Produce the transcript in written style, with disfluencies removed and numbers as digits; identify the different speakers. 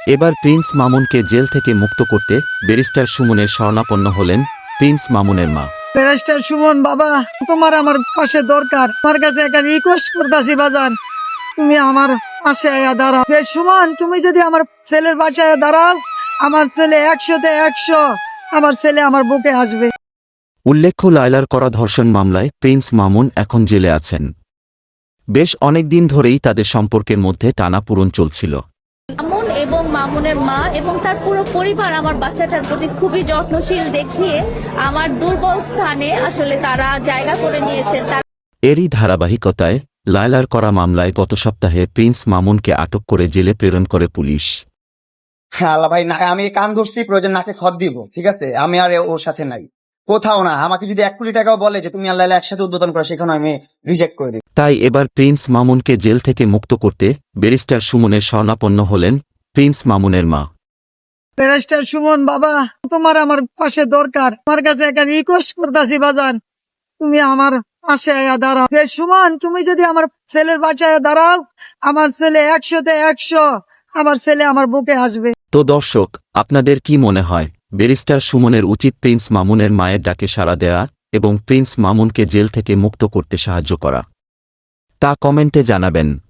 Speaker 1: এবার Prince মামুনকে jail থেকে মুক্ত করতে ব্যারিস্টার সুমনের শরণাপন্ন হলেন প্রিন্স মামুনের মা।
Speaker 2: ব্যারিস্টার সুমন বাবা, তোমার আমার পাশে দরকার। তোমার কাছে একটা রিকোয়েস্ট করতেছি বাজান, তুমি আমার পাশে আয়া দাঁড়াও। সুমন, তুমি যদি আমার ছেলের বাঁচায় দাঁড়াও, আমার ছেলে 100-তে 100, আমার ছেলে আমার বুকে আসবে।
Speaker 1: উল্লেখ্য, লায়লার করা ধর্ষণ মামলায় প্রিন্স মামুন এখন জেলে আছেন। বেশ অনেকদিন ধরেই তাদের সম্পর্কের মধ্যে টানাপোড়েন চলছিল।
Speaker 3: মামুন এবং মামুনের মা এবং তার পুরো পরিবার আমার বাচ্চাটার প্রতি খুবই যত্নশীল দেখিয়ে আমার দুর্বল স্থানে আসলে তারা জায়গা করে নিয়েছেন।
Speaker 1: এরই ধারাবাহিকতায় লায়লার করা মামলায় গত সপ্তাহে প্রিন্স মামুনকে আটক করে জেলে প্রেরণ করে পুলিশ।
Speaker 4: হ্যাঁ আল্লাহ ভাই, আমি কান ধরছি, প্রয়োজন নাকে খত দিব, ঠিক আছে? আমি আর ওর সাথে নাই, কোথাও না। আমাকে যদি 1 কোটি টাকাও বলে যে তুমি আল্লাহ একসাথে উদ্বোধন করো, সেখানে আমি রিজেক্ট করে দিই।
Speaker 1: তাই এবার প্রিন্স মামুনকে জেল থেকে মুক্ত করতে ব্যারিস্টার সুমনের শরণাপন্ন হলেন প্রিন্স মামুনের মা।
Speaker 2: ব্যারিস্টার সুমন বাবা, তোমার আমার পাশে দরকার। তোমার কাছে একটা রিকোয়েস্ট করতেছি বাজান, তুমি আমার পাশে আয়া দাঁড়াও। সুমন, তুমি যদি আমার ছেলের বাঁচায় দাঁড়াও, আমার ছেলে 100-তে 100, আমার ছেলে আমার বুকে আসবে।
Speaker 1: তো দর্শক, আপনাদের কি মনে হয়, ব্যারিস্টার সুমনের উচিত প্রিন্স মামুনের মায়ের ডাকে সাড়া দেয়া এবং প্রিন্স মামুনকে জেল থেকে মুক্ত করতে সাহায্য করা? তা কমেন্টে জানাবেন।